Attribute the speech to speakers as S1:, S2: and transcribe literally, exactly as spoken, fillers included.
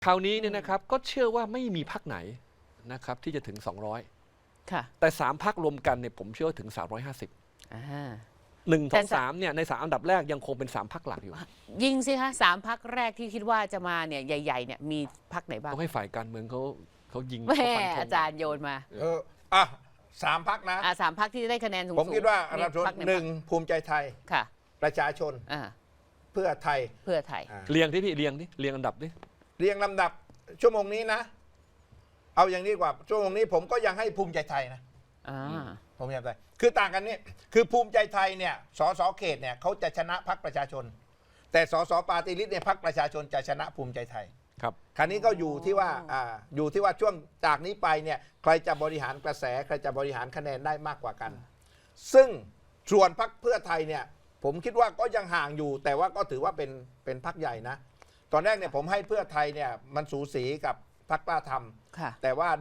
S1: คราวนี้เนี่ยนะครับก็เชื่อว่าไม่มีพรรคไหนนะครับที่จะถึงสองร้อย
S2: ค่ะ
S1: แต่สามพรรครวมกันเนี่ยผมเชื่อว่าถึงสามร้อยห้าสิบ
S2: อ่า
S1: หนึ่งส
S2: แต่
S1: องสามเนี่ยในสามอันดับแรกยังคงเป็นสามพรรคหลักอยู่
S2: ยิงสิคะสามพักแรกที่คิดว่าจะมาเนี่ยใหญ่ๆเนี่ยมีพักไหนบ้าง
S1: ต้องให้ฝ่ายการเมืองเขาเขายิง
S2: แม่
S1: เขาฟันธง
S2: อาจารย์โยนมา
S3: เอออ่ะสามพักนะ
S2: อ่าสามพักที่ได้คะแนนสูงๆ
S3: ผมคิดว่าอันดับ
S2: มีพรรคไ
S3: หนึ่งภูมิใจไทย
S2: ค่ะ
S3: ประชาชน
S2: อ่า
S3: เพื่อไทย
S2: เพื่อไทย
S3: อ่า
S1: เรียงที่พี่เรียงที่เรียงอันดับดิ
S3: เรียงลำดับชั่วโมงนี้นะ เอาอย่างนี้ดีกว่าชั่วโมงนี้ผมก็ยังให้ภูมิใจไทยนะ
S2: อ่า
S3: ภูมิใจไทยคือต่างกันนี่คือภูมิใจไทยเนี่ยสสเขตเนี่ยเขาจะชนะพรรคประชาชน แต่สสปาร์ตี้ลิสต์เนี่ยพรรคประชาชนจะชนะภูมิใจไทย
S1: ครับ
S3: คราวนี้ก็อยู่ที่ว่าอ่าอยู่ที่ว่าช่วงจากนี้ไปเนี่ยใครจะบริหารกระแสใครจะบริหารคะแนนได้มากกว่ากัน ซึ่งส่วนพรรคเพื่อไทยเนี่ยผมคิดว่าก็ยังห่างอยู่ แต่ว่าก็ถือว่าเป็นเป็นพรรคใหญ่นะ ตอนแรกเนี่ยผมให้เพื่อไทยเนี่ยมันสูสีกับพรรคกล้าทำ
S2: ค่ะ
S3: แต่ว่า